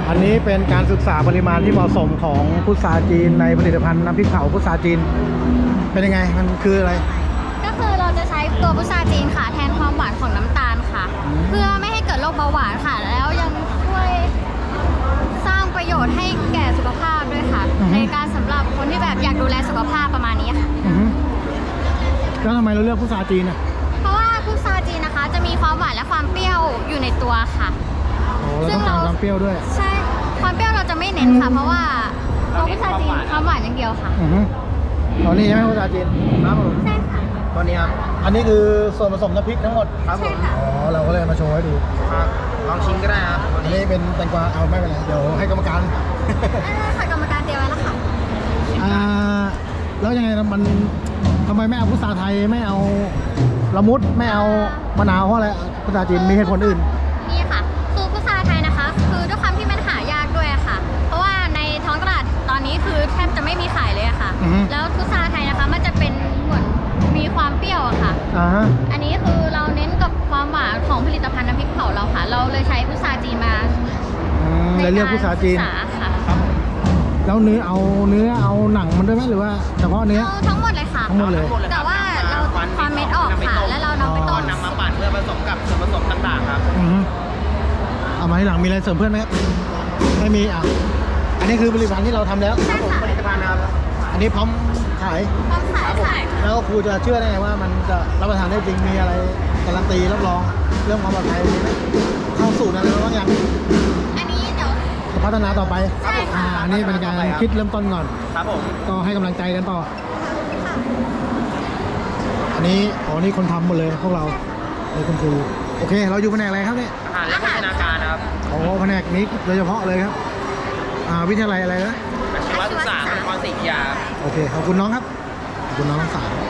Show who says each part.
Speaker 1: อันนี้เป็นการศึกษาปริมาณที่เหมาะสมของพุทราจีนในผลิตภัณฑ์น้ำพริกเผาพุทราจีนเป็นยังไงมันคืออะไร
Speaker 2: ก็คือเราจะใช้ตัวพุทราจีนค่ะแทนความหวานของน้ำตาลค่ะเพื่อไม่ให้เกิดโรคเบาหวานค่ะแล้วยังช่วยสร้างประโยชน์ให้แก่สุขภาพด้วยค่ะในการสำหรับคนที่แบบอยากดูแลสุขภาพประมาณนี้ค่ะ
Speaker 1: แล้วทำไมเราเลือกพุทราจีนอ่ะ
Speaker 2: เพราะว่าพุทราจีนนะคะจะมีความหวานและความเปรี้ยวอยู่ในตัวค่ะ
Speaker 1: ซึ่งเราความเปรี้ยวด้วย
Speaker 2: ใช่ความเปรี้ยวเราจะไม่เน้นค่ะเพราะว่าตัวพุทราจีนความหวานอย่างเดียวค่ะ
Speaker 1: ตอนนี้ใช่ไหมพุทราจีนครับผม
Speaker 2: ใช่ค่ะ
Speaker 1: ตอนนี้ครับอันนี้คือส่วนผสมน้ำพริกทั้งหมด
Speaker 2: ครับผม
Speaker 1: อ๋อเราก็เลยมาโชว์ให้ดู
Speaker 3: ครับลองชิมก็ได้ครับ
Speaker 1: อันนี้เป็นแตงกวาเอาไม่เป็นไรเดี๋ยวให้กรรมการ
Speaker 2: ค่ะกรรมการเตรียมไว้แล้วค่ะ
Speaker 1: แล้วยังไงมันทำไมไม่เอาพุทราไทยไม่เอาละมุดไม่เอามะนาวเพราะอะไรพุทราจีนมีเหตุผลอื่น
Speaker 2: นี่ค่ะคือพุทราไทยนะคะคือด้วยความที่มันหายากด้วยค่ะเพราะว่าในท้องตลาดตอนนี้คือแทบจะไม่มีขายเลยค่ะแล้วพุทราไทยนะคะมันจะเป็นเหมือนมีความเปรี้ยวอะค่ะอันนี้คือเราเน้นกับความหวานของผลิตภัณฑ์น้ำพริกเผาเราค่ะเราเลยใช้พุทราจีนมา
Speaker 1: เลยเลือกพุทราจีน
Speaker 2: ค่ะ
Speaker 1: แล้วเนื้อเอาหนังมันด้วยไหมหรือว่าเฉพาะเนื้อ
Speaker 2: ทั้งหมดเลยค่ะ
Speaker 1: ทั้งหมดเลย
Speaker 2: แต่ว่าเราความเม็ดออกค่ะแล้วเรานำไปต้ม
Speaker 3: นำมาปั่นเพื่อผสมกับส่วนผสมต่างๆครับ
Speaker 1: เอามาให้หลังมีอะไรเสริมเพื่อนไหมครับไม่มีอันนี้คือผลิตภัณฑ์ที่เราทำแล้ว
Speaker 2: ครับผม
Speaker 3: ผลิตภัณฑ์นะครับ
Speaker 1: อันนี้พร้อมขายแล้วครูจะเชื่อได้ไงว่ามันจะรับประทานได้จริงมีอะไรการันตีรับรองเรื่องความปลอดภัยมีไหมเข้าสูตรอะไรบ้างอย่าง
Speaker 2: อันนี้เดี๋ยว
Speaker 1: พัฒนาต่อไป
Speaker 2: ใช่ค่ะ
Speaker 1: อันนี้เป็นการคิดเริ่มต้นก่อน
Speaker 3: ครับผม
Speaker 1: ก็ให้กำลังใจกันต่ออันนี้นี่คนทำหมดเลยพวกเราเลยคุณครูโอเคเราอยู่แผนกอะไรครับเนี่ย
Speaker 3: อาหารและโภชนาการครับ
Speaker 1: แผนกนี้โดยเฉพาะเลยครับวิทยาลัยอะไรนะ
Speaker 3: อาชีวศึกษานครศรีอยุธยา
Speaker 1: โอเคขอบคุณน้องครับขอบคุณน้องทั้งสาม